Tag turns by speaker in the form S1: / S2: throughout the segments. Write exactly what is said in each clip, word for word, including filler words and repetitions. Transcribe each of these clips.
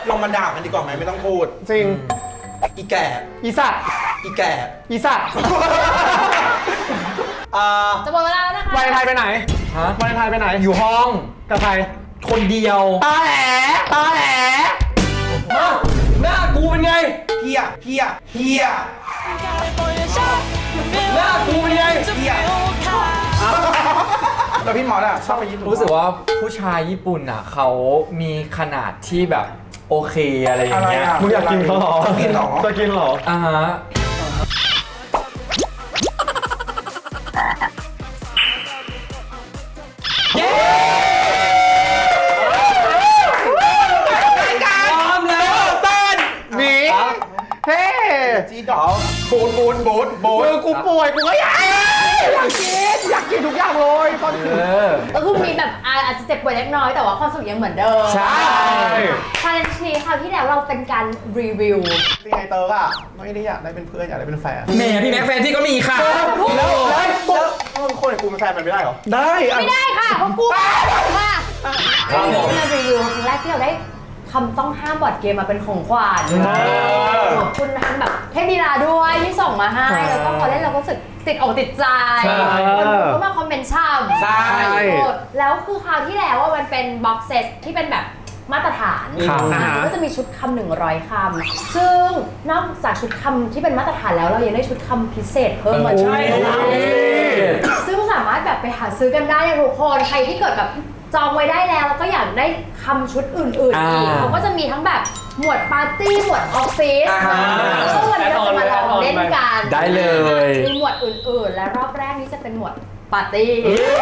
S1: ลงมาด่ากันดีกว่าไหมไม่ต้องพูด
S2: จริง
S1: อีแก่
S2: อีสัตว์
S1: อีแก่
S2: อีสัตว์
S1: อ่า
S3: จะหมดเวลาแล้วนะคะ
S2: วันไทยไปไหน
S4: ฮะ
S2: วันไทยไปไหน
S4: อยู่ห้อง
S2: กับใคร
S4: คนเดียว
S2: ตาแหลตาแหล
S4: มาหน้ากูเป็นไง
S1: เฮียเฮียเฮีย
S4: หน้ากูเป็นไง
S1: เฮียแล้วพี่หมอน่ะชอบไปญี่ปุ่น
S4: รู้สึกว่าผู้ชายญี่ปุ่นอ่ะเขามีขนาดที่แบบโอเคอะไรอย่างเงี้ย
S2: มึงอยากกินเขาหรอ
S1: จะกินหรอ
S2: จะกินหรอ
S4: อ่าฮะเย้
S2: เฮ้
S1: จีดอบูดบูดบูดบูด
S2: กูป่วยกูก็อยากอยากกินอยากกินทุกอย่างเลยตอนนี้
S3: ก็คือมีแบบอาจจะเจ็บป่วยเล็กน้อยแต่ว่าความสุขยังเหมือนเดิม
S4: ใช่
S3: ชาเลนจ์นี้คราวที่แล้วเราเป็นการรีวิว
S1: จริงไงเตอร์อะไม่ได้อยากได้เป็นเพื่อนอยากได้เป็นแฟน
S4: แหมพี่แม็กแฟนที่ก็มีค่ะ
S1: แล้วแล้วแล้วมึงคนอย่างกูเป็นแฟนมันไม่ได้หรอ
S2: ได้
S3: ไม่ได้ค่ะเพราะกูค่ะเรารีวิวครั้งแรกที่เราได้คำต้องห้ามบอร์ดเกมมาเป็นของขวัญขอบคุณทั้งแบบเทพดีลาด้วยที่ส่งมาให้แล้วก็พอเล่นเราก็รู้สึกติดอกติดใจคนดูก็มาคอมเมนต์ช่ำ
S4: ใช่
S3: แล้วคือคราวที่แล้วว่ามันเป็นบ็อกเซตที่เป็นแบบมาตรฐานก็จะมีชุดคำหนึ่งร้อยคำซึ่งนอกจากชุดคำที่เป็นมาตรฐานแล้วเรายังได้ชุดคำพิเศษเพิ่มมาใช่ซึ่งสามารถแบบไปหาซื้อกันได้ทุกคนใครที่เกิดแบบจองไว้ได้แล้วแล้วก็อยากได้คำชุดอื่นๆอีกเขาก็จะมีทั้งแบบหมวดปาร์ตี้หมวดออฟฟิศแล้วก็วันนี้เราจะมาลองเล่นกัน
S4: ได้เลย
S3: มีหมวดอื่นๆและรอบแรกนี้จะเป็นหมวดปาร์ตี้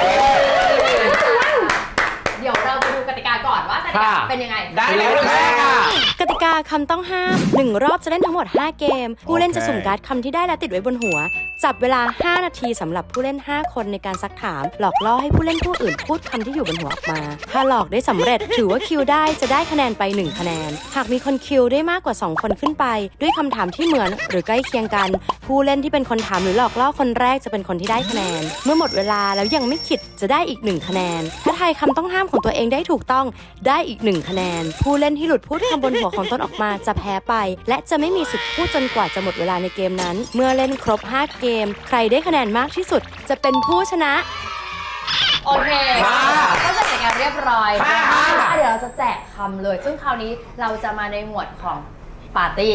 S3: เดี๋ยวเราไปดูกติกาก่อนว่ากติกาเป็นยังไง
S4: ได้เลยค่ะ
S5: กติกาคำต้องห้ามหนึ่งรอบจะเล่นทั้งหมดห้าเกมผู้เล่นจะสุ่มการ์ดคำที่ได้และติดไว้บนหัวจับเวลาห้านาทีสำหรับผู้เล่นห้าคนในการซักถามหลอกล่อให้ผู้เล่นผู้อื่นพูดคำที่อยู่บนหัวออกมาถ้าหลอกได้สำเร็จถือว่าคิวได้จะได้คะแนนไปหนึ่งคะแนนหากมีคนคิวได้มากกว่าสองคนขึ้นไปด้วยคำถามที่เหมือนหรือใกล้เคียงกันผู้เล่นที่เป็นคนถามหรือหลอกล่อคนแรกจะเป็นคนที่ได้คะแนนเมื่อหมดเวลาแล้วยังไม่ขิดจะได้อีกหนึ่งคะแนนถ้าทายคำต้องห้ามของตัวเองได้ถูกต้องได้อีกหนึ่งคะแนนผู้เล่นที่หลุดพูดคำบนหัวของตนออกมาจะแพ้ไปและจะไม่มีสิทธิ์พูดจนกว่าจะหมดเวลาในเกมนั้นเมื่อเล่นครบห้าเกมใครได้คะแนนมากที่สุดจะเป็นผู้ชนะ
S3: โอเคก็จะจัดการเรียบร้อยนะคะเดี๋ยวเราจะแจกคำเลยซึ่งคราวนี้เราจะมาในหมวดของปาร์ตี้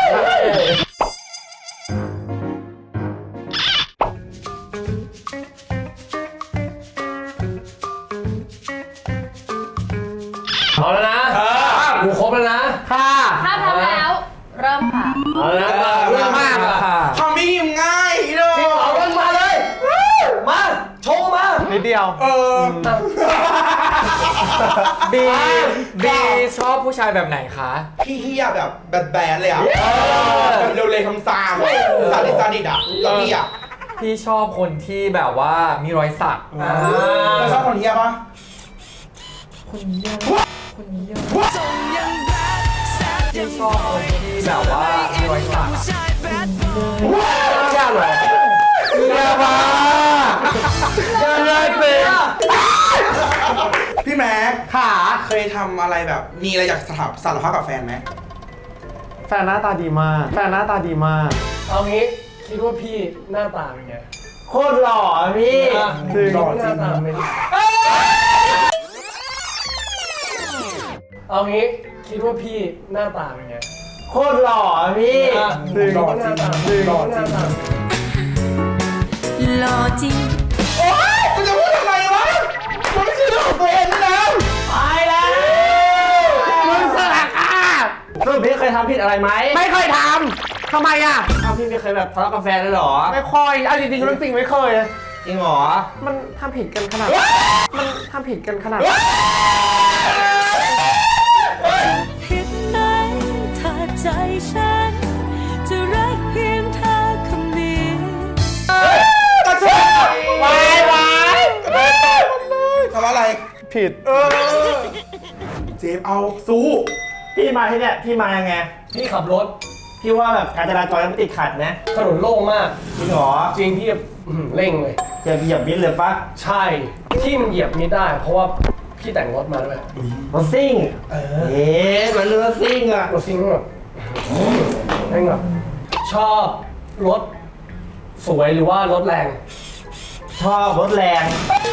S4: เอาแล้วนะกูครบแล้วนะ
S2: ค่ะ
S3: ถ้าพร้อมแล้วเริ่มค่ะ
S4: เอาแล้วนะเริ่มมากค่ะ
S1: ทำไม่ยิ้มง่ายเลย
S4: เอาเริ่มมาเลยมาโชว์มา
S2: นิดเดียว
S1: เออ
S4: บีบีชอบผู้ชายแบบไหนคะ
S1: พี่เฮียแบบแบดๆเลยอ่ะแบบเร็วเลยคำซามซาดิซาดิดอ่ะแล้วพี่อ่ะ
S4: พี่ชอบคนที่แบบว่ามีรอยสัก
S1: แล้วชอบคนเฮียปะ
S4: คนเฮียคนเฮียพี่ชอบคนที่แบบว่ามีรอยสัก
S2: แย่เหรอแย่มากแย่เลยสิ
S1: พี่แม็ก
S2: ขา
S1: เคยทำอะไรแบบมีอะไรอยากสารภาพกับแฟนไหม
S2: แฟนหน้าตาดีมากแฟนหน้าตาดีมาก
S6: เอางี้คิดว่าพี่หน้าตาเป็นไง
S2: โคตรหล่อพี่
S6: ถึงหล่อจริงเอางี้คิดว่าพี่หน้าตาเป็นไง
S2: โคตรหล่อพี่
S6: ถึงหล่อจริงถึงหล่อจริง
S5: หล่อจริง
S1: โอ๊ยมึงจะพูดทำไมวะมันไม่ใช่เรื่องของตัวเองนะ
S2: ไปแล้วมึงสลักอ่ะซึ่งพี่เคยทำผิดอะไรไหมไม่เคยทำทำไมอ่ะอ้าวพี่ไม่เคยแบบทะเลาะกับแฟนเลยหรอไม่ค่อยเอาจริงๆเรื่องจริงไม่เคยจริงหรอมันทำผิดกันขนาดมันทำผิดกันขนาด
S5: เห็นไหมถ้าใจฉันจะรักเพียงเธอคำเดียว
S1: กระเช้าวายวายทำอะไร
S2: ผิด
S1: เออเจมเอาสู้
S2: พี่มาที่เนี่ยพี่มายังไง
S6: พี่ขับรถ
S2: พี่ว่าแบบการจราจรมันติดขัดนะ
S6: ถนนโล่งมาก
S2: จริงเหรอ
S6: จริงพี่เร่งเลย
S2: จะเหยียบมิดเลยปะ
S6: ใช่ที่มันเหยียบมิดได้เพราะว่าพี่แต่งรถมาด้วย
S2: รถซิ่ง
S6: เออ
S2: เอ๊ะมันรถซิ่งอ่ะ
S6: รถซิ่งแบบแม่งแบบชอบรถสวยหรือว่ารถแรง
S2: ชอบรถแรง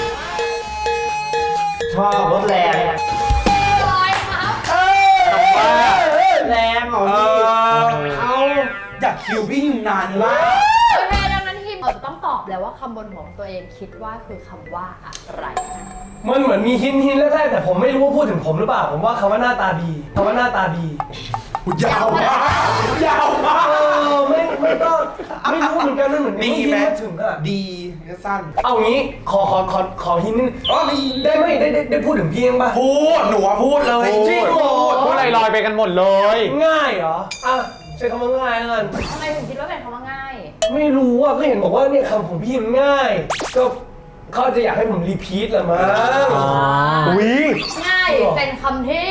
S2: ชอบรถแรง
S3: ลอยครับ
S2: แรงเหรอพี่เอา
S1: อยากคิวพี่นานมาก
S3: โอเคดังนั้นทีมเราจะต้องตอบแล้วว่าคำบนหัวของตัวเองคิดว่าคือคำว่าอะไร
S6: มันเหมือนมีหินหินแรกๆแต่ผมไม่รู้ว่าพูดถึงผมหรือเปล่า ผมว่าคำว่าหน้าตาดีคำว่าหน้าตาดี
S1: ยาวมากยาวมาก
S6: เออไม่ไม่ต้องไม่รู้เหมือนกันมันเหมือน
S1: มี
S6: หิน
S1: ไหม
S6: มาถึงอะ
S1: ดีก็สั้น
S6: เอางี้ขอขอขอขอหินนิด
S1: อ๋อมี
S6: ได้ไหมได้ได้ได้พูดถึงพี่เองป่ะ
S1: พูดหนูอะพูดเลย
S6: จริงเหรอ
S2: พูดลอยๆไปกันหมดเลย
S6: ง่ายเหรออ่ะใช้คำว่าง่ายแล้วกัน
S3: ทำไมถึงคิดว่าเป็นคำว่าง่าย
S6: ไม่รู้อ่ะก็เห็นบอกว่าเนี่ยคำของพี่มันง่าย ก็เขาจะอยากให้ผมรีพีทแหละมั้ง
S2: อุ้ย
S3: ง่ายเป็นคำที่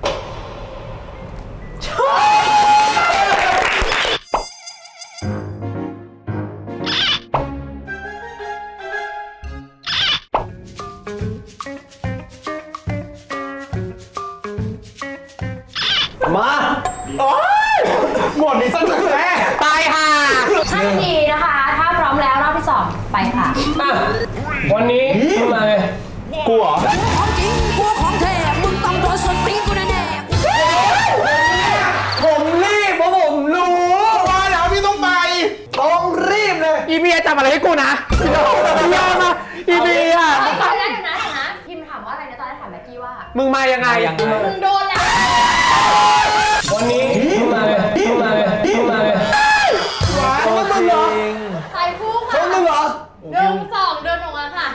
S6: มา
S1: หมดนี้สนุกแน่
S2: ตายห่า
S3: ห้านาทีนะคะ ถ้าพร้อมแล้วรอบที่สองไปค่ะ
S6: อ่ะวันนี้มึงมาไง
S2: กูเหรอ
S5: ของจริงกูของแท้มึงต้องโดนส่วนตีนกูแน่
S6: ผมรีบเพราะผมรู้
S1: ว่าแล้วพี่ต้องไป
S6: ต้องรีบเลย
S2: อีเบียจับอะไรให้กูนะอีเบียมาอีเบีย
S3: เฮ้ยตอนแรกเดี๋ยวนะเดี๋ยวนะพิมถามว่าอะไรนะตอนแรกถามแม็กกี้ว่า
S2: มึงมายังไง
S4: ยังไง
S3: มึงโดนแล้ว
S6: วันนี้มึงมาไงมึงมาไงมึงมาไง
S4: ตัวจริง
S3: ใส่คู่ค่ะ
S6: เขามึงเหรอ
S3: หนึ่งสองเดินออกมาค่ะ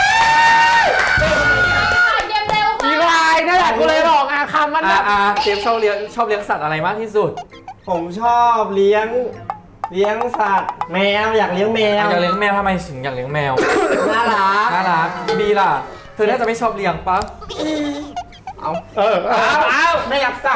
S3: เกมเร็ว
S2: อี
S3: ค่ะ
S2: วายนั่นแหละกูเลยบอกอ่ะคำมันแบ
S4: อ่า
S2: บ
S4: อ่าเจฟชอบเลี้ยงชอบเลี้ยงสัตว์อะไรมากที่สุด
S2: ผมชอบเลี้ยง เลี้ยงสัตว์แมวอยากเลี้ยงแมว
S4: อยากเลี้ยงแมวทำไมถึงอยากเลี้ยงแมว
S2: น่ารัก
S4: น่ารักบีล่ะ เธอน่าจะไม่ชอบเลี้ยงปะ
S2: เอาเออเอาเอาไม่อยากสั่ง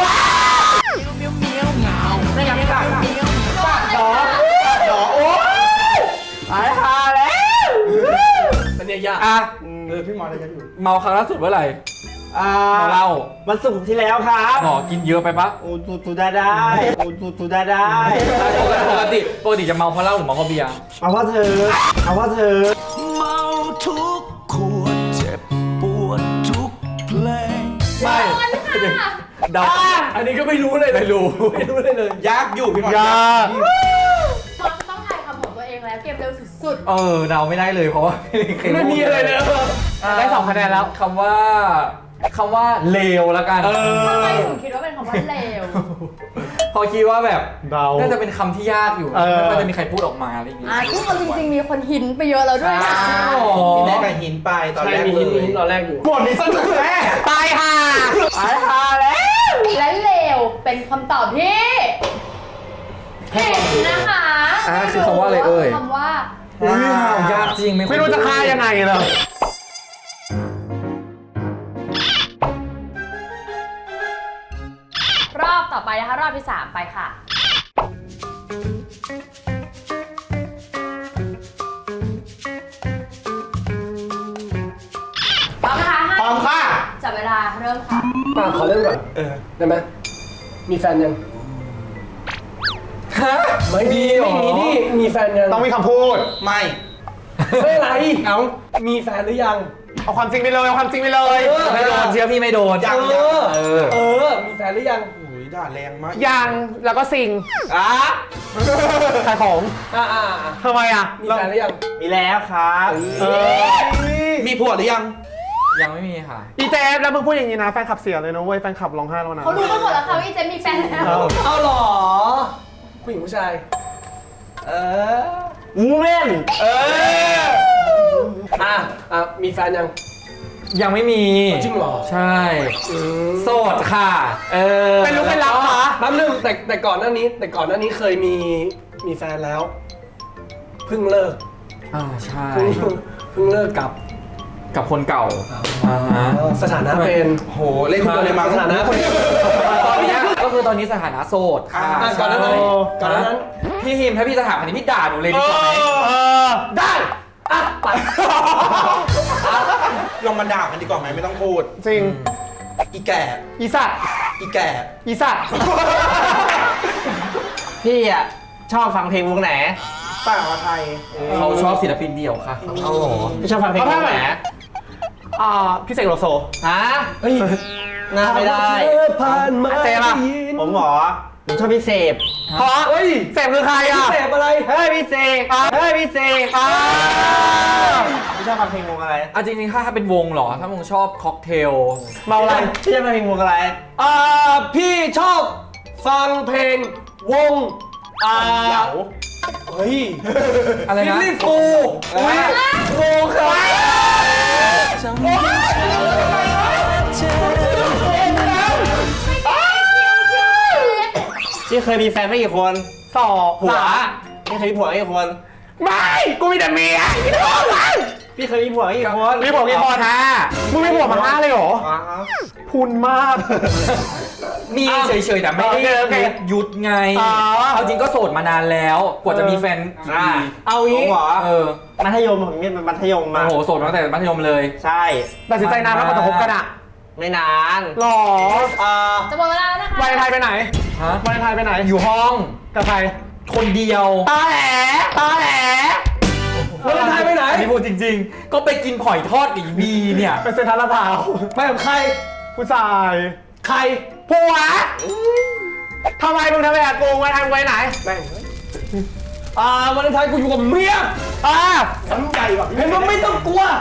S2: ไม่อยากสั่งสั่งดอกดอกโอ้ยตายหาแล้ว
S6: มันเนี่ยยาก
S4: อ่ะ
S1: เออพี่มอสอะไรกันอยู่
S4: เมาครั้งล่าสุดเมื่อไหร่
S2: อ่า
S4: เมาเหล้า
S2: วันศุกร์ที่แล้วครับ
S4: หมอกินเยอะไปปะ
S2: โอ้ตูตูได้ได้โอ้ตูตูได้ได้
S4: ปกติปกติจะเมาเพราะเหล้าหรือเมาเพราะเบียร์
S2: เอาว่าเธอเอาว่าเธอ
S7: เมาทุกขวดเจ็บปวดทุกเพลง
S4: ไม่
S3: โดนค่ะ
S4: เดา
S6: อันนี้ก็ไม่รู้เลยไม่รู้ไม่รู้เลยเลย
S1: ยากอยู่พี่มอส
S2: ยาก
S3: เราจะต้องทายคำของตัวเองแล้วเกมเร็วสุด
S4: เออเดาไม่ได้เลยเพราะว่าเคย
S6: ไม่มีอะไรเลย
S2: ได้สองคะแนนแล้ว
S4: คำว่าคำว่าเลวแล้วกัน
S1: เอ
S3: ๆทำไม
S1: อ
S3: ถึงคิดว่าเป็นคำว่าเร็ว
S4: พอคิดว่าแบบ
S2: เดา
S4: น่าจะเป็นคำที่ยากอยู่
S2: เออ
S4: ไม่ค่อยจะมีใครพูดออกมาอะไรอย่างงี้
S3: อ่ะซึ่งเอาจริงๆ มีคนหินไปเยอะแล้วด้วยนะ
S4: จริงเหรอ
S1: พี่แม่กับหินไปตอน
S6: ใช่
S1: แรก
S6: มี
S1: เล
S6: หินมี
S1: ย
S6: หินตอนแรกอยู่
S1: หมดนี้สนุกแน่
S2: ตายห่าตายห่าแล้ว
S3: และเร็วเป็นคำตอบที่ผิดนะคะ
S4: อ่ะคือคำว่าอะไรเอ่ย
S3: คำว่า
S4: อุ้ยยากจริงไม่
S2: ไม่รู้จะฆ่ายังไงเลย
S3: รอบต่อไปนะคะ รอบที่สามไปค่ะ พร้อมนะคะ
S1: พร้อมค่ะ
S3: จับเวลาเริ่มค่ะ
S6: มาขอเริ่มก่อน
S1: เออ
S6: ได้ไหมมีแฟนยัง
S4: ฮะ
S6: ไม่มี
S4: หรอ
S6: ไม่มีดิมีแฟนยัง
S2: ต้องมีคำพูด
S1: ไม่
S6: ไม่อะไรเอามีแฟนหรือยัง
S2: เอาความจริงไปเลยเอาความจริงไปเลย
S6: เออ
S4: ไม่โดนเชื่อพี่ไม่โดน
S1: ยัง
S6: เออ
S4: เออ
S6: เออ มีแฟนหรือยัง
S1: โอ้ยด่าแรงมาก
S2: ยังแล้วก็สิ่ง
S6: อ่ะ
S2: ขายของ
S6: อ่ะอ่ะอ่ะ
S2: ทำไมอ่ะ
S6: มีแฟนหรือยัง
S2: มีแล้วครับเออ
S1: มีผัวหรือยัง
S4: ยังไม่มีค่ะ
S2: อีเจฟแล้วมึงพูดอย่างนี้นะแฟนขับเสียเลยนะเว้ยแฟนขับร้องไห้แล้วนะ
S3: เขารู้กันหมดแล้วค่ะว่าอีเจมมีแฟนแล้ว
S2: เอา
S6: เอาเหรอ ผู้หญิงผู้ชาย
S2: เออวูแมนเออ
S6: อ่ะอ่ะมีแฟนยัง
S4: ยังไม่มี
S6: จริงเหรอ
S4: ใช่ โสดค่ะ เออ
S2: เป็นลูกเป็นรับเหรอ
S6: แป๊บนึงแต่แต่ก่อนหน้านี้ แต่ก่อนหน้านี้เคยมีมีแฟนแล้ว เพิ่งเลิก
S4: อ่าใช่
S6: เพิ่งเพิ่งเลิกกับ
S4: กับคนเก่าอ่าฮะ
S6: สถานะเป็น
S1: โห เล่นคุณโดเรมอน
S6: สถานะคนเดียว
S4: ตอนเนี้ยก็คือตอนนี้สถานะโสดค่ะ
S6: อ่ะก่อนหน้านั้น
S4: ใช่
S6: ก่อนหน้านั้น
S4: พี่ฮิมถ้าพี่จะถามอันนี้พี่ด่าหนูเลยดีกว่าไหม
S2: เออได้
S1: ลองมาด่ากันดีกว่าไหมไม่ต้องพูด
S2: จริง
S1: อีแก่
S2: อีสัตว์
S1: อีแก่
S2: อีสัตว์ พี่อ่ะชอบฟังเพลงวงไหน
S1: ต่างไทย
S4: เขาชอบศิลปินเดี่ยวค่ะ
S2: เอาหรอพี่ชอบฟังเพลงวงไหนอ่าพี่เสกโลโซฮะเฮ้ยน่าไม่ได้
S6: ผ่านมา
S2: เจป่ะผมหมอผมชอบพี่เสพเพราะเฮ้ยเสพคือใครอ่ะ
S6: เสพอะไร
S2: เฮ้ยพี่เสกเฮ้ยพี่เสกพี่ชอบฟังเพลงวงอะไร
S4: อ่ะจริงๆ ถ้าถ้าเป็นวงเหรอ ถ้าวงชอบค็อกเทล
S2: เมาอะไรพี่ชอบฟังเพลงวงอะไร
S6: อ่าพี่ชอบฟังเพลงวงอ่า
S1: เหลา
S6: เฮ้ย
S4: อะไร
S6: ฟิล
S4: นะ
S6: ลี่ฟู
S2: อุ๊ย
S6: วงครับ
S2: พี่เคยมีแฟนไม่กี่คนสองผัวพี่เคยมีผัวกี่คนไม่กูมีแต่เมียพี่เคยมีผัวกี่คนมีผัวกี่คนฮะมึงมีผัวมาห้าเลยเหรอพูนมาก
S4: มีเฉยๆ แต่ไม่
S2: โอเค
S4: ได้
S2: โอเค
S4: ยุดไง
S2: อ๋อ
S4: เอาจริงก็โสดมานานแล้ว กว่าจะมีแฟนกี่
S2: อ่า
S4: ปี
S2: เอางี้เหรอ
S4: เออ
S2: มัธยมผมเนี่ยเป็นมัธยมมา
S4: โอ้โห โสดมาตั้งแต่มัธยมเลย
S2: ใช่ตัดสินใจนานแล้วกว่าจะคบกันอ่ะไม่นานหรออ่า
S3: จะหมดเวลาแล้วนะคะ
S2: วาเลนไทน์ไปไหน
S4: ฮะ
S2: วาเลนไทน์ไปไหน
S4: อยู่ห้อง
S2: กับใคร
S4: คนเดียว
S2: ตาแหลตาแหล
S6: วาเลนไทน์ไปไหน
S4: อันนี้พูดจริงๆ ก็ไปกินหอยทอดกับอีบีเนี่ย
S2: ไปเซ็นทรัลลาดพร้าว
S6: ไปกับใคร
S2: ผู้ชาย
S6: ใคร
S2: ผัวทำไมมึงทำแบบโกงมาทำไว้ไหน
S6: อ่าวาเลนไทน์กูอยู่กับเมีย
S2: อ่า
S1: สนใจแบบ
S6: เห็นว่าไม่ต้องกลัว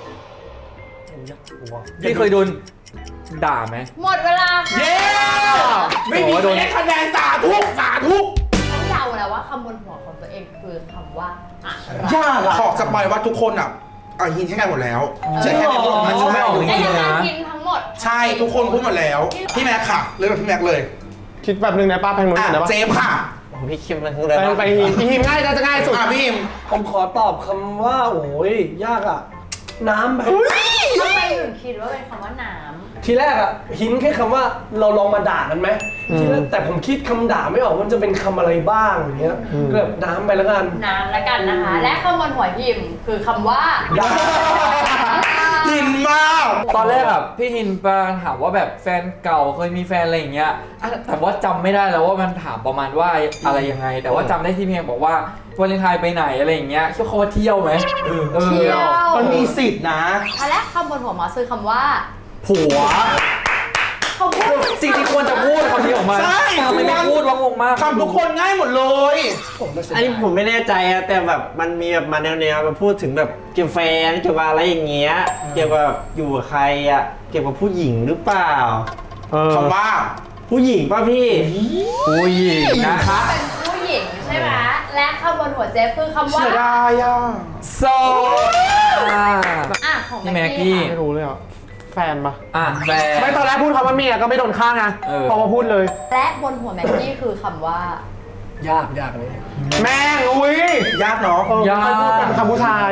S4: พี่เคยโดนด่าไหม
S3: หมดเวลาค่ะ
S2: เย้
S1: ไม่มีใครได้คะแนนสาธุสาธุ
S3: ต้องเดาแล้วว่าคำบนหัวของตัวเองคือคำว่าอะไร
S6: ยากอะ
S1: ขอสปอยว่าทุกคนอ่ะอ่ะหินให้กันหมดแล้วใช่แค่ในบทมัน
S4: อ๋อไม่
S1: ใช่
S4: ออกจริง
S3: ไอ้
S4: ๆ
S3: ยัง
S4: นะ
S3: กินทั้งหมด
S1: ใช่ทุกคนพูดหมดแล้ว พี่แม็กค่ะเริ่มจากพี่แม็กเลย
S2: คิดแบบนึงนะป้าแพงนู้น
S1: อ่ะ
S2: นะป้า
S1: เจมส์ค่ะ
S2: พี่คิมเลยไปไปหิมหิมง่ายจะง่ายสุด
S1: อ่ะพี่อิม
S6: ผมขอตอบคำว่า โอ้ยยากอะน้ำไป
S3: ทำไมถึงคิดว่าเป็นคำว่าน้
S6: ทีแรกอะหินแค่คำว่าเราลองมาด่ากันไหมทีแรกแต่ผมคิดคำด่าไม่ออกมันจะเป็นคำอะไรบ้างอย่างเงี้ยก็แบบน้ำไปแล้วกัน
S3: ำน้ำแล้วกันนะคะ และคำบนหัวหิมคือคำว่า
S1: หินมาก
S4: ตอนแรกอะพี่ฮินปาถามว่าแบบแฟนเก่าเคยมีแฟนอะไรอย่างเงี้ยอ่ะแต่ว่าจำไม่ได้แล้วว่ามันถามประมาณว่าอะไรยังไง แต่ว่าจำได้ที่เพียงบอกว่าวาเลนไทน์ไปไหนอะไรอย่างเงี้ยคิดว่าเขาว่าเที่ยวไหมเออ
S3: เที่ยว
S1: มันมีสิทธินะ
S3: และคำบนหัวหมอคือคำว่า
S4: ผัว
S3: เขาพูด
S4: จริงๆควรจะพูดคำนี้ออกมา
S1: ใช่
S4: ทำไมไม่พูดวะงงมาก
S1: คำทุกคนง่ายหมดเลย
S2: อันนี้ผมไม่แน่ใจอะแต่แบบมันมีแบบมาแนวๆมาพูดถึงแบบเกี่ยวกับแฟนเกี่ยวกับอะไรอย่างเงี้ยเกี่ยวกับอยู่กับใครอะเกี่ยวกับผู้หญิงหรือเปล่า
S1: คำว่า
S2: ผู้หญิงป่ะพี่
S4: ผู้หญิงนะคะ
S3: เป็นผู้หญิงใช่ไหมและคำบนหัวเจฟคือคำว่า
S1: เสียดายอ่ะ
S4: โซอ่ะ
S3: อ่ะของ
S4: พี่
S3: แม็
S4: แม็
S3: ก
S4: ก
S3: กี้
S4: กี้
S3: ค่ะ
S2: ไม่รู้เลยอ่ะแฟนปะ
S4: อ่ะแฟน
S2: ไม่ตอนแรกพูดคำว่าเมียก็ไม่โดนฆ่าไง
S4: เออ
S2: พอมาพูดเลย
S3: และบนหัวแม็กกี้คือคำว่า
S6: ยากยากเลย
S2: แม่งอุ้ย
S1: ยากเนาะ
S2: เออไม่ค่อยพูดเป็นคำผู้ชาย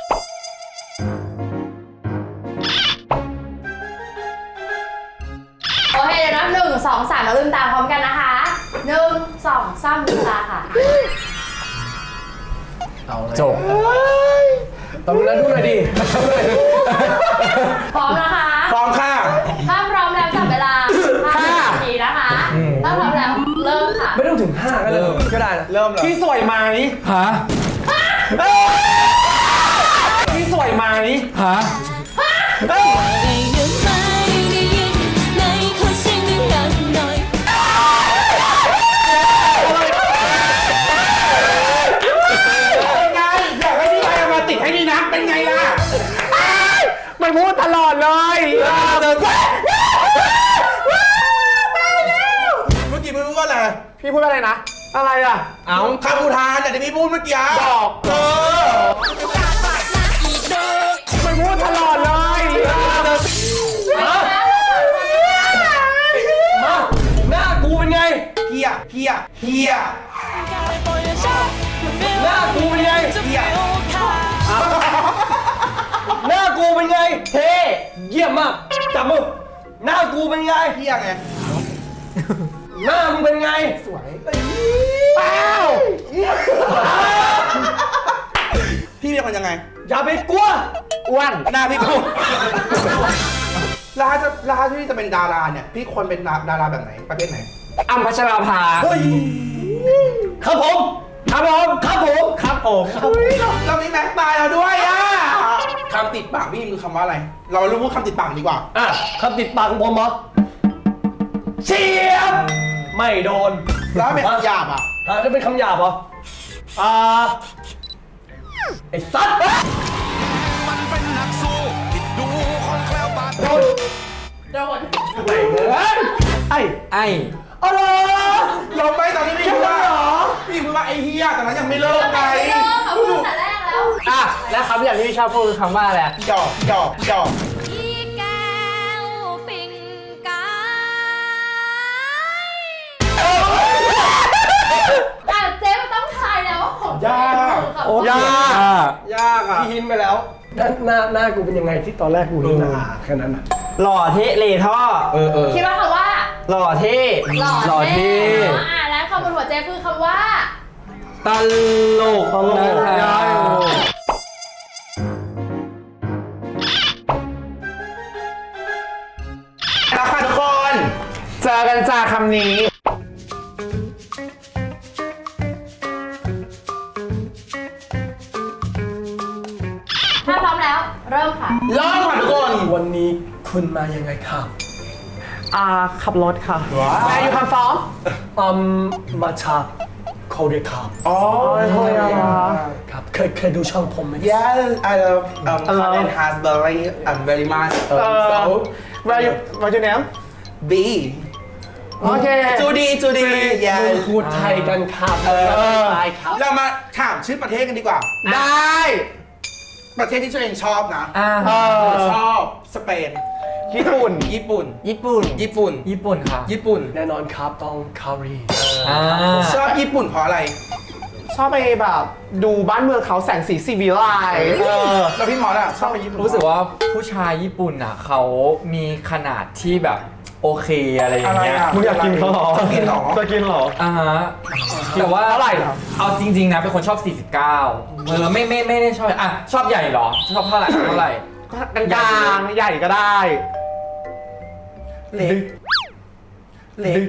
S3: โอเคเดี๋ยวนับหนึ่งสองสามแล้วลืมตาพร้อมกันนะคะหนึ่งสองสามลืมตาค่ะ
S4: จบ
S6: ตอนนั้นดูหน่อยดิ
S3: พร้อมนะคะ
S1: พร้อมค่ะ
S3: ถ้าพร้อมแล้วจับเวลาห้านาทีนะคะถ้าพร้อมแล้วเริ่มค่ะ
S6: ไม่ต้องถึงห้าก็ได้ก็ได้นะ
S1: เริ่มเลย
S2: พี่สวยไหม
S4: ฮะ
S2: พี่สวยไหม
S4: ฮะ
S8: ได้ยินไหมได้ยินไหนขอเสียงดังๆหน่อย
S1: เป็นไงอยากให้พี่ไปมาติดให้ดีนะเป็นไงล่ะ
S2: มันพูดตลอดเลย
S1: เมื่อกี้ไม่รู้ว่าอะไร
S2: พี่พูดอะไรนะ อะไรอ่ะ เอ้า
S1: คำอุทานแต่ที่พี่พูดเมื่อกี้
S2: บอก
S1: เออ
S2: มันพูดตลอดเลย
S6: มาหน้ากูเป็นไง
S1: เฮียเฮียเฮีย
S6: หน้ากูเป็นไง
S1: เฮีย
S6: หน้ากูเป็นไง เท่เยี่ยมมากจับมือหน้ากูเป็นไง
S1: เฮียไง
S6: หน้ามึงเป็นไง
S1: สวย
S2: เป้า
S1: พี่เป็นคนยังไง
S6: อย่าไปกลัว
S2: อ้วน
S1: หน้าพี่พูดแล้วถ้าจะแล้วถ้าที่จะเป็นดาราเนี่ย พี่ควรเป็นดาราแบบไหน ประเภทไหน
S2: อ้ำพัชราภา
S6: เฮ้ยครับผมครับผมครับผมครับผม
S1: เรามีแม็กตายเราด้วยอ่ะคำติดปากพี่คือคำว่าอะไร เรารู้ว่าคำติดปากดีกว่า
S6: อ่ะคำติดปากของผมเหรอเชียบไม่โดน
S1: แล้วเป็นคำหยาบอ่ะ
S6: อ่ะจะเป็นคำหยาบเหรออ่าไอ้สัตว์
S7: มันเป็นนักสู้ที่ดูคนแคล้วบาด
S6: โดน
S3: โดน
S6: ไม่เฮ้ยไอ้
S4: ไอ้
S6: อะไร
S1: เราไม่ตอนนี้พี่พูดว่าพี่พูดว่าไอ้เฮียแต่นั้นยังไม่เลิกไง
S3: ไม่เลิกค่ะพูดตั้งแต่แรกแล้ว
S2: อ่ะแล้วคำอย่างที่พี่ชอบพูดคือคำว่าอะไร
S1: พี่ดอกพี่ดอกพี่ดอก
S8: อีแก้วปิ่งกาย
S3: อ่ะเจ๊มันต้องทายแล้วว่าของ
S1: ยาก
S3: โอ้
S2: ยาก
S1: ยากอ่ะ
S6: พี่หินไปแล้วหน้าหน้าหน้ากูเป็นยังไงที่ตอนแรกกูหินอ่ะแค่นั้นอ่ะ
S2: หล่อเท่เลท่อ
S1: เออเออ
S3: คิดว่าคำว่า
S2: หล่อเท่
S3: หล่อ
S2: หล่อเท่
S3: เนาะอ่ะแล้วคำบนหัวเจ๊คือคำว่า
S4: ตลก
S2: ตลก
S4: นะ
S2: ได้
S1: แล้วค่ะทุกคน
S2: เจอกันจากคำนี้
S3: ถ้าพร้อมแล้ว เริ่มค่ะ
S1: เริ่มค่ะทุกคน
S6: วันนี้คุณมายังไงครับ
S2: อ่าขับรถค่ะแวร์อยู่คำฟ้อง
S6: อืมมาจากโคเรียครับ
S1: อ๋อ
S2: โคเรีย
S6: ครับเคยเคยดูช่องผมไหม
S1: Yes I love um
S2: I love
S1: Colin Hasbury um very much
S2: เอ
S1: um,
S2: อ
S1: so
S2: แวร์อยู่แวร์อยู่แนม
S1: B
S2: โอเค
S1: จูดีจูดี Yes
S6: พูดไทยกันครับ
S1: เออ
S6: ไทยครับ
S1: เรามาถามชื่อประเทศกันดีกว่า
S2: ได้
S1: ประเทศที่ตัวเองชอบนะ
S4: อ่า
S2: เออ
S1: ชอบสเปน
S2: ญี่ปุ่น
S1: ญี่ปุ่น
S2: ญี่ปุ่น
S1: ญี่ปุ่น
S4: ญี่ปุ่นค่ะ
S1: ญี่ปุ่น
S6: แน่นอนครับต้องคารี
S4: อ่า
S1: ชอบญี่ปุ่นเพราะอะไร
S2: ชอบไปแบบดูบ้านเมืองเขาแสงสีสีวิไลเออ
S1: แล้วพี่มอสอะชอบไปญี่ปุ่น
S4: รู้สึกว่าผู้ชายญี่ปุ่นอ่ะเขามีขนาดที่แบบโอเคอะไรอย่า
S1: อะ
S4: ง
S1: ไร
S4: เงี้ย
S1: อะ
S2: มึงอยากกินเขาเหรอ
S1: จะกินเหรอ
S2: จะกินเหรอ
S4: อ่าฮะแต่ว่า
S2: เท่าไหร่เหรอ
S4: เอาจริง ๆ นะเป็นคนชอบ สี่สิบเก้าเออไม่ไม่ไม่ได้ชอบอ่ะชอบใหญ่เหรอ ชอบเท่าไหร่เท่าไหร่
S2: กลางๆใหญ่ก็ได้
S1: เล็กเล็ก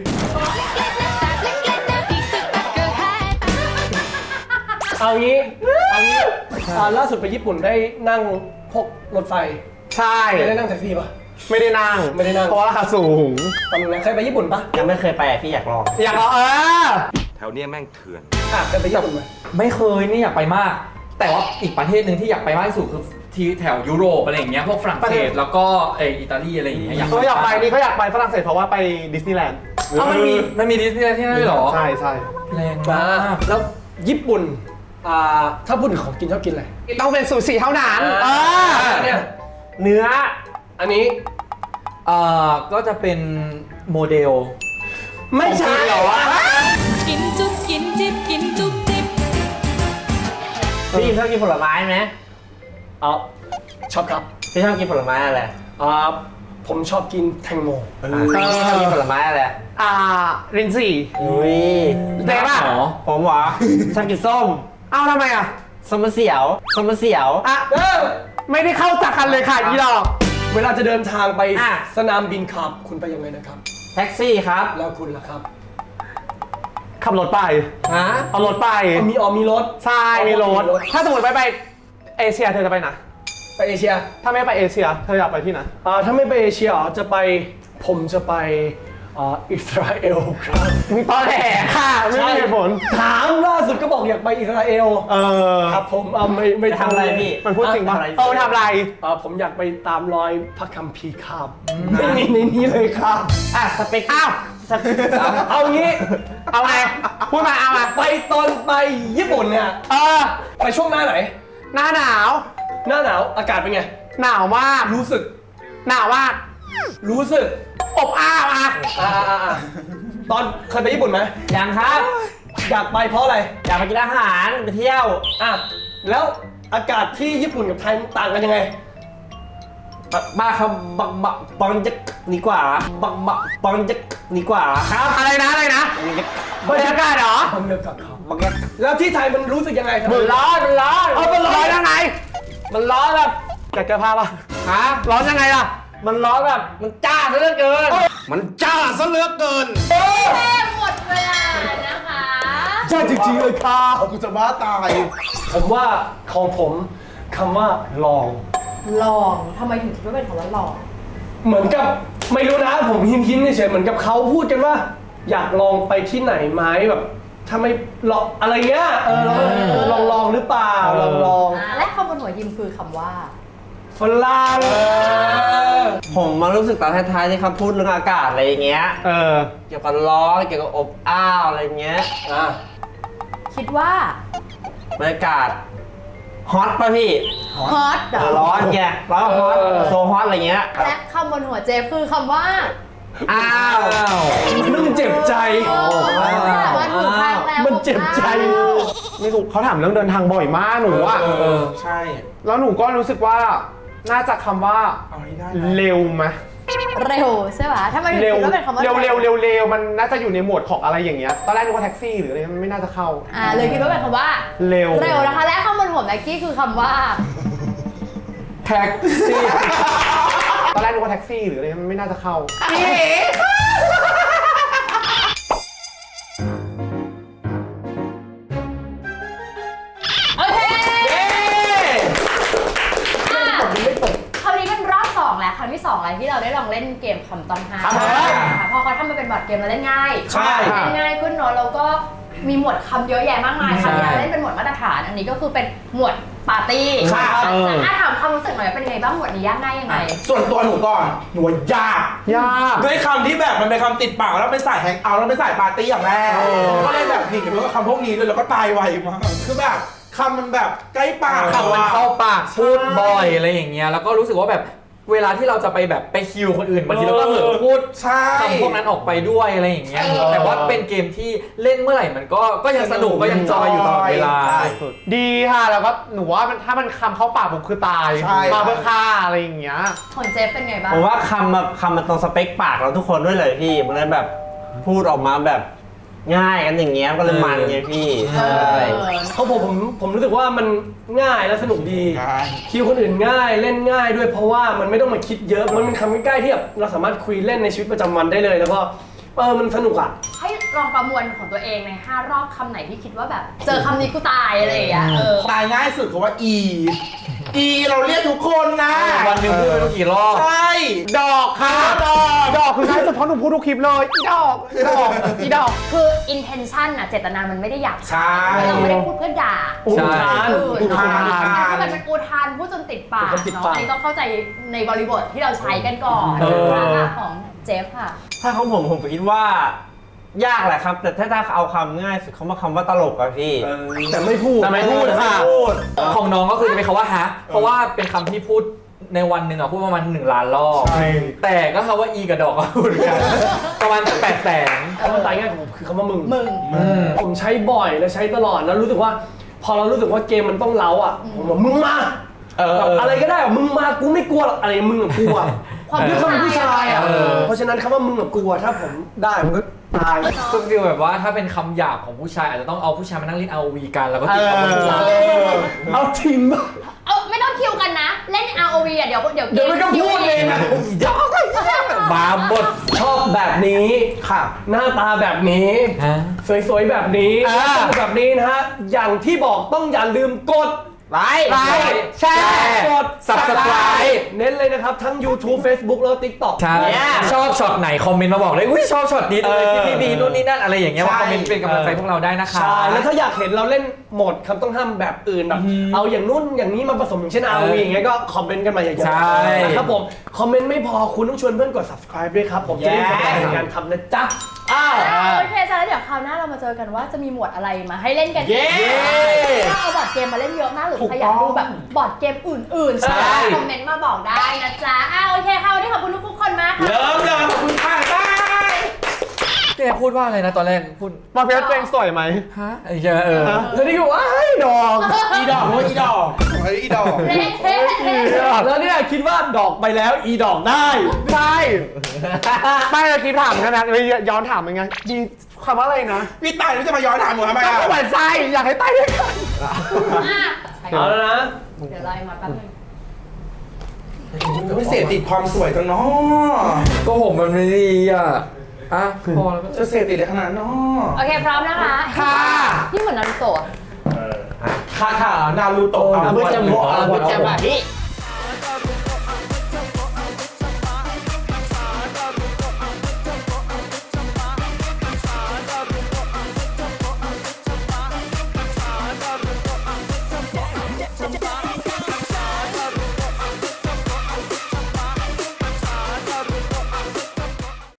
S6: เอางี้เอางี้อ่าล่าสุดไปญี่ปุ่นได้นั่งพวกรถไฟ
S2: ใช่
S6: ไม่ได้นั่งแท็กซี่ปะ
S2: ไม่ได้นั่ง
S6: ไม่ได้นั่ง
S2: เพราะว่าราคาสูง
S6: ตอนนั้นเคยไปญี่ปุ่นปะ
S2: ยังไม่เคยไปพี่อยากลอง อยากลองเออ
S7: แถวเนี้ยแม่งเถื่อน
S6: อ่ะเคยไปญี่ปุ่นไหม
S4: ไม่เคยนี่อยากไปมาก แต่ว่าอีกประเทศหนึ่งที่อยากไปมากที่สุดคือที่แถวยุโรปอะไรอย่างเงี้ยพวกฝรั่งเศสแล้วก็เอออิตาลีอะไรอย่างเงี้ยอยาก
S2: เอออยากไปนี่ก็อยากไปฝรั่งเศสเพราะว่าไปดิสนีย์แลนด์
S4: เอ้ามันมีมันมีดิสนีย์แลนด์ที่นั่นด้วยเหรอ
S2: ใช่ใช่
S4: แรง
S6: อ่าม
S4: าก
S6: แล้วญี่ปุ่นอ่าถ้าพูดถึงของกินชอบกินอะไร
S2: ต้องเป็นซูชิเท่านั้นเออ
S6: เนี่ย
S2: เนื้อ
S6: อันนี้
S4: เอ่อก็จะเป็นโมเดล
S2: ไม่ใช่เหรอวะ
S8: กินจุ๊บกินจิ๊บกินจุ๊บจิ๊บ
S2: พี่ชอบกินผลไม้ไหม
S6: เอาชอบครับ
S2: พี่ชอบกินผลไม้อะไร
S6: อ่าผมชอบกินแตงโม
S2: พี่ชอบกินผลไม้อะไรอ่ารินจีอุ้ยเจ๊ป่ะ
S4: เหรอ
S2: ผมหวะชอบกินส้มเอ้าทำไมอ่ะส้มมะเสียวส้มมะเสียวอ่ะ
S6: เออ
S2: ไม่ได้เข้าจากกันเลยค่ะอีดอก
S6: เวลาจะเดินทางไป
S2: อ่ะ
S6: สนามบินครับคุณไปยังไงนะครับ
S2: แท็กซี่ครับ
S6: แล้วคุณล่ะครับ
S2: ขับรถไปฮะเอารถไป
S6: เอามีอ๋อมีรถ
S2: ใช่มีรถ ถ้าสมมติไปไปเอเชียเธอจะไปไหน
S6: ไปเอเชีย
S2: ถ้าไม่ไปเอเชียเธออยากไปที่ไหน
S6: อ่าถ้าไม่ไปเอเชียอ๋อจะไปผมจะไปอ่าอิสราเอลครับ
S2: ตอนแหลค่ะไม่มีเหตุผล
S6: ถามล่าสุดก็บอกอยากไปอิสราเอล
S2: เออ
S6: ครับผมเอาไม่ไม่
S2: ทำอะไรพี่มันพูดจริงป่ะ
S6: อ่
S2: เออทำอะไร
S6: อ่าผมอยากไปตามรอยพระคัมภีร์ครับไม่มีในนี้เลยครับ
S2: อ่ะสเปคอ้าวสเปค
S6: เอางี้
S2: เอาไงพูดมาเอามา
S6: ไปตอนไปญี่ปุ่นเนี่ย
S2: เออ
S6: ไปช่วงหน้าไหน
S2: หน้าหนาว
S6: หน้าหนาวอากาศเป็นไง
S2: หนาวมาก
S6: รู้สึก
S2: หนาวมาก
S6: รู้สึก
S2: อบอ้าวอ่ะ
S6: อ่าอ่าอ่าตอนเคยไปญี่ปุ่นไหม
S2: ยังครับ
S6: อยากไปเพราะอะไร
S2: อยากไปกินอาหารไปเที่ยว
S6: อ่ะแล้วอากาศที่ญี่ปุ่นกับไทยต่างกันยังไง
S2: บ้าครับบักบักบังจะดีกว่าบักบักบังจะดีกว่าครับอะไรนะอะไรนะบรรยากาศเหรอ
S6: ผมเลือกกับเขา
S2: บักยัก
S6: แล้วที่ไทยมันรู้สึกยังไงครับ
S2: มันร้อนมันร้อน
S6: เอามันร้อน
S2: ยังไงมันร้อนแบบอยากเจอภาพป่ะฮะร้อนยังไงล่ะ มันร้อนแบบมันจ้าซะเหลือเกิน
S1: มันจ้าซะเหลือเกิน
S3: แม่หมดเวลานะคะ
S6: ใช่จริงๆเลยค่ะ
S1: กูจะบ้าตาย
S6: ผมว่าของผมคำว่าลอง
S3: ลองทำไมถึงคิดว่าเป็นคำว่าลอง
S6: เหมือนกับไม่รู้นะผมหินหินเฉยๆเหมือนกับเขาพูดกันว่า อยากลองไปที่ไหนไหมแบบถ้าไม่ลองอะไรเงี้ยเออลองลองหรือเปล่าลองลอง
S3: อ่าและคำบนหัวยิมคือคำว่า
S6: ฝรั่ง
S2: ผมมารู้สึกตอนท้ายๆที่เขาพูดเรื่องอากาศอะไรอย่างเงี้ย เออ เกี่ยวกับร้อนเกี่ยวกับอบอ้าวอะไรเงี้ย
S6: อ่ะ
S3: คิดว่า
S2: บรรยากาศฮอตป่ะพี่
S3: ฮอตเหรอ
S2: ร้อนไงร้อนฮอตโซฮอตอะไรเงี้ย
S3: และคำบนหัวเจฟคือคำว่า
S2: อ้าว
S6: มันเจ็บใจ
S3: โอ้แต่ว่าหนูพังแล้ว
S6: มันเจ็บใจ
S9: ไม่ถูกเขาถามเรื่องเดินทางบ่อยมากหนูอะ
S1: เออใช่
S9: แล้วหนูก็รู้สึกว่าน่าจะคำว่า
S1: เอาให้ได้
S9: เร็วไหม
S3: เร็วใช่ไหมถ้ามันถึง
S9: เร็ว
S3: คิดว่าเป็นคำว่า
S9: เร็วเร็วเร็วเร็วมันน่าจะอยู่ในหมวดของอะไรอย่างเงี้ยตอนแรกนึกว่าแท็กซี่หรืออะไรมันไม่น่าจะเข้า
S3: อ่าเลยคิดว่าเป็นคำว่า
S9: เร็ว
S3: เร็วนะคะและคำบนหัวแม็กกี้คือคำว่า
S4: แท็กซี่
S9: ตอนแรกนึกว่าแท็กซี่หรืออะไรมันไม่น่าจะเข้า
S3: โอเคอ่ะคราวนี้เป็นรอบสองแล้วครั้งที่สองแล้วที่เราได้ลองเล่นเกมคำต้องห้าม
S1: ครับผม
S3: ค่ะพอเขาทำมาเป็นบอร์ดเกมเราเล่นง่าย
S1: ใช่
S3: เล่นง่ายขึ้นเนอะแล้วก็มีหมวดคำเยอะแยะมากมาย
S4: ใช่
S3: คำที่เราเล่นเป็นหมวดมาตรฐานอันนี้ก็คือเป็นหมวดปาร์ตี้
S1: ค่ะ
S3: อ่ะถามความรู้สึกหน่อยเป็นยังไงบ้างหมวดนี้ยากง่ายยังไง
S1: ส่วนตัวหนูก่อนหนูว่ายาก
S9: ยาก
S1: ด้วยคำที่แบบมันเป็นคำติดปากแล้วเป็นสายแฮงเอาท์แล้วเป็นสายปาร์ตี้อย่างแรกก็เลยแบบหนีไปกับคำพวกนี้เลยแล้วก็ตายไวมากคือแบบคำมันแบบใกล้ปาก
S4: คำมันเข้าปากพูดบ่อยอะไรอย่างเงี้ยแล้วก็รู้สึกว่าแบบเวลาที่เราจะไปแบบไปคิวคนอื่นบางทีเราก็เผลอพูด
S1: ใช่
S4: คำพวกนั้นออกไปด้วยอะไรอย่างเงี้ย
S1: เออ
S4: แต่ว่าเป็นเกมที่เล่นเมื่อไหร่มันก็ก็ยังสนุกก็ยังจอยอยู่ตลอดเวลา
S1: ใช่
S9: ดีค่ะแล้วก็หนูว่ามันถ้ามันคำเข้าปากผมคือตาย
S1: ใช่
S9: มาเพื่อฆ่าอะไรอย่างเงี้ย
S3: ของเจฟเป็นไงบ้าง
S2: ผมว่าคำแบบคำมันตรงสเปคปากเราทุกคนด้วยเลยพี่ มันเลยแบบพูดออกมาแบบง่ายกันอย่างเงี้ยก็เลยมันไงพี่
S3: เอ
S2: ใช่
S3: อ
S6: เขาผมผมผมรู้สึกว่ามันง่ายและสนุกดี
S1: ใช่
S6: คิวคนอื่นง่ายเล่นง่ายด้วยเพราะว่ามันไม่ต้องมาคิดเยอะมันเป็นคำใกล้ๆที่แบบเราสามารถคุยเล่นในชีวิตประจำวันได้เลย แล้วก็เออมันสนุกอ่ะ
S3: ให้ลองประมวลของตัวเองในห้ารอบคำไหนที่คิดว่าแบบ เจอคำนี้กูตายอะไรอย่างเงี้ยเออ
S1: ตายง่ายสุดคือว่า e e เราเรียกทุกคนนะ
S4: วันหนึ่งพูดไม่รู้กี่รอบ
S1: ใช่
S9: ดอกค่ะ
S1: ดอก
S9: ดอกคือง่ายสุดเพราะหนูพูดทุกคลิปเลยอีดอกอีดอกอีดอก
S3: คือ intention น่ะเจตนามันไม่ได้อยาก
S1: ใช่
S3: เราไม่ได้พูดเพื่อด่า
S4: ใช่
S3: เออ
S1: อุทาน
S3: ถ้ามันเป็นอุทานพูดจนติดปาก
S6: พูดจนติด
S3: เนาะ
S6: ปาก
S3: อันนี้ต้องเข้าใจในบริบทที่เราใช้กันก่อน
S4: เออ
S3: อ่ะของเจฟค่ะ
S2: ถ้าของผมผมคิดว่ายากแหละครับ แต่ถ้าถ้าเอาคำง่ายสุดเขามาคำว่าตลกอะพี่
S6: แต่ไม่พูด
S9: แต่ไม่พูดค่ะ
S2: ไม่พูด
S4: ของน้องก็คือจะเป็นคำว่าฮะ เพราะว่าเป็นคำที่พูดในวันหนึ่งอะพูดประมาณหนึ่งล้านรอบ
S1: ใช่
S4: แต่ก็คำว่าอีกับดอกก็พูดกัน ประมาณแปดแสน
S6: คำว่าตายง่ายของผมคือคำว่ามึง
S3: มึง
S6: ผมใช้บ่อยและใช้ตลอดแล้วรู้สึกว่า พอเรารู้สึกว่าเกมมันต้องเล้าอ่ะผมบอกมึงมา
S1: เออ
S6: แบบอะไรก็ได้อะมึงมากูไม่กลัวหรอกอะไรมึงกับกูอ่ะ
S3: ความ
S6: ด้วยความเป็นผู้ชายอ่ะ
S4: เออ
S6: เพราะฉะนั้นคำว่ามึงกับกูอะถ้าผมได้มันก็ตาย
S4: คือฟีลแบบว่าถ้าเป็นคำหยาบของผู้ชายอาจจะต้องเอาผู้ชายมานั่งเล่น อาร์ โอ วี กันแล้วก็ติดคำว่าผู้ชาย
S6: เอาทีม
S3: เออไม่ต้องคิวกันนะ เล่น อาร์ โอ วี อ่ะเดี๋ยวเดี๋ยว
S6: เดี๋ยวมันก็พูดเองอะ
S4: บาบด
S6: ชอบแบบนี้
S1: ค่ะ
S6: หน้าตาแบบนี้
S4: ฮะ
S6: สวยๆแบบนี้
S9: อ่า
S6: สนุกแบบนี้นะฮะ อย่างที่บอกต้องอย่าลืมกด
S2: ไลค์
S9: ไลค์
S2: แชร์
S6: กด
S4: Subscribe
S6: เน้นเลยนะครับ ทั้ง YouTube Facebook แล้ว TikTok
S4: ใช่
S2: Yeah
S4: ชอบช็อตไหนคอมเมนต์มาบอกเลยอุ้ยชอบช็อตนี้เลย
S6: เออ
S4: พี่บีนู่นนี่นั่นอะไรอย่างเงี้ย
S1: ใช่
S4: มาคอมเมนต์เป็นกำลังใจพวกเราได้นะคะ
S6: ใช่ แล้วถ้าอยากเห็นเราเล่นโหมดคำต้องห้ามแบบอื่นแบบเอาอย่างนู้นอย่างนี้มาผสมอย่างเช่น อาร์ โอ วี อย่างเงี้ยก็คอมเมนต์กันมาเยอะ
S4: ใช่
S6: ๆนะครับผม คอมเมนต์ไม่พอคุณต้องชวนเพื่อนกด subscribe ด้วยครับผมจะได้เป็นกำลังใจในการทำนะจ๊ะอ้าว
S3: อ่าโอเคจ้ะแล้วเดี๋ยวคราวหน้าเรามาเจอกันว่าจะมีหมวดอะไรมาให้เล่นกัน
S1: เย้
S3: ถ้าเอาบอร์ดเกมมาเล่นเยอะมากหรือใครอยากดูแบบบอร์ดเกมอื่นๆ
S4: ใช่
S3: คอมเมนต์มาบอกได้นะจ๊ะอ่าโอเคค่ะวันนี้ขอบคุณทุกๆคนมากค่ะ
S1: เริ่มเลยขอบคุณค่ะบาย
S4: พี่แอร์พูดว่าอะไรนะตอนแรกพูด
S9: มาเพชรตัวเองสวยไหม
S4: ฮะเออเออ
S6: แล้วนี่ก็ว่าไอ้ดอก
S1: อีดอกโอ้ยอีดอกเฮ้ยอีดอก
S3: เฮ้เฮ้เฮ้
S6: แล้วเนี่ยคิดว่าดอกไปแล้วอีดอกได้
S9: ใช่ ไม่เลยคลิปถามกันนะเลยย้อนถามยังไงดีคำว่าอะไรนะ
S1: พี่ตายรู้จะมาย้อนถามหนูทำไม
S9: ก็
S1: อ่ะ
S9: เหมือนใจอยากให้ตายด้วยกัน
S3: อ่ะ
S6: เอาแล้วนะ
S3: เดี๋ยวรอไอ้มาแป๊บนึง
S1: ไม่เสพติดความสวยจังเนาะ
S4: ก็ผมมันไม่ดีอ่ะอ่ะพอแล้วก็
S1: จะเสพติดอะไรขนาดนั้นเนาะ
S3: โอเคพร้อมนะคะ
S1: ค่ะ
S3: นี่เหมือนนารูโตะ
S1: ค่ะค่ะนารูโตะ
S2: อาบุจมูกอาบุจมาฮิ